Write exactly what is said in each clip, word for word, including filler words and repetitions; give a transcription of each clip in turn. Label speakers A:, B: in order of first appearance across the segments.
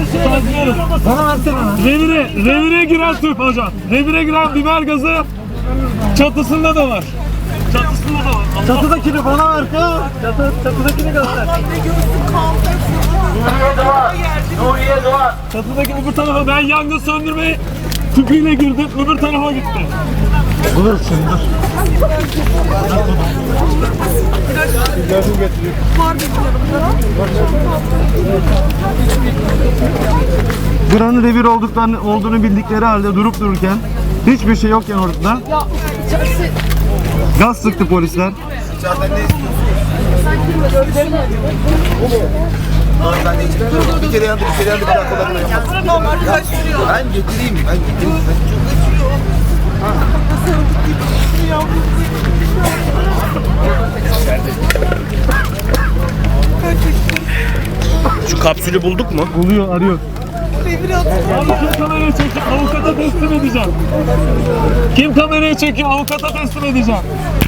A: Saygılıyoruz.
B: Bana versene lan.
A: Revire, revire giren tüp hocam. Revire giren biber gazı çatısında da var. Çatısında da var. Allah.
B: Çatıdakini bana ver kız. Çatı, çatıdakini göster.
C: Nuriye Doğan.
A: Çatıdaki öbür tarafa ben yangın söndürmeyi tüpüyle girdim. Öbür tarafa gitti.
B: Dur şimdi dur. Buranın revir olduklarını, olduğunu bildikleri halde durup dururken hiçbir şey yokken ortada gaz sıktı polisler.
D: Bir kere yandı, bir kere yandı, bir dakika da ben getireyim, ben getireyim.
C: Şu kapsülü bulduk mu?
B: Buluyor, arıyor.
A: Abi kim kamerayı çekiyor? Avukata teslim edeceğim. Kim kamerayı çekiyor? Avukata teslim edeceğim.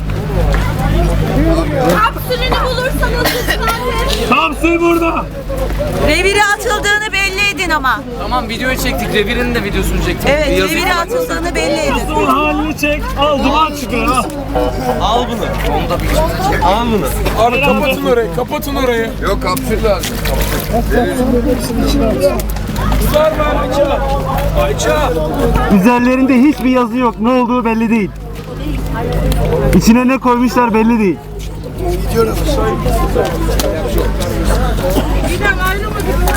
E: Kapsülünü bulursanız lütfen.
A: Kapsül burada.
E: Revire atıldığını belli edin ama.
F: Tamam videoyu çektik. Revir'in de videosunu çektik.
E: Evet,
F: Yazık.
E: revire atıldığını belli edin.
A: Kapsülün halini çek. Al duman çıkıyor ha.
F: Al bunu. Onu da bir Al bunu.
A: Abi kapatın
G: orayı, kapatın orayı.
D: Yok kapsül lazım.
G: Var mı Ayça? Ayça.
B: Üzerlerinde hiçbir yazı yok. Ne olduğu belli değil. İçine ne koymuşlar belli değil.
D: Gidiyoruz.
E: Bir de ayrı mı?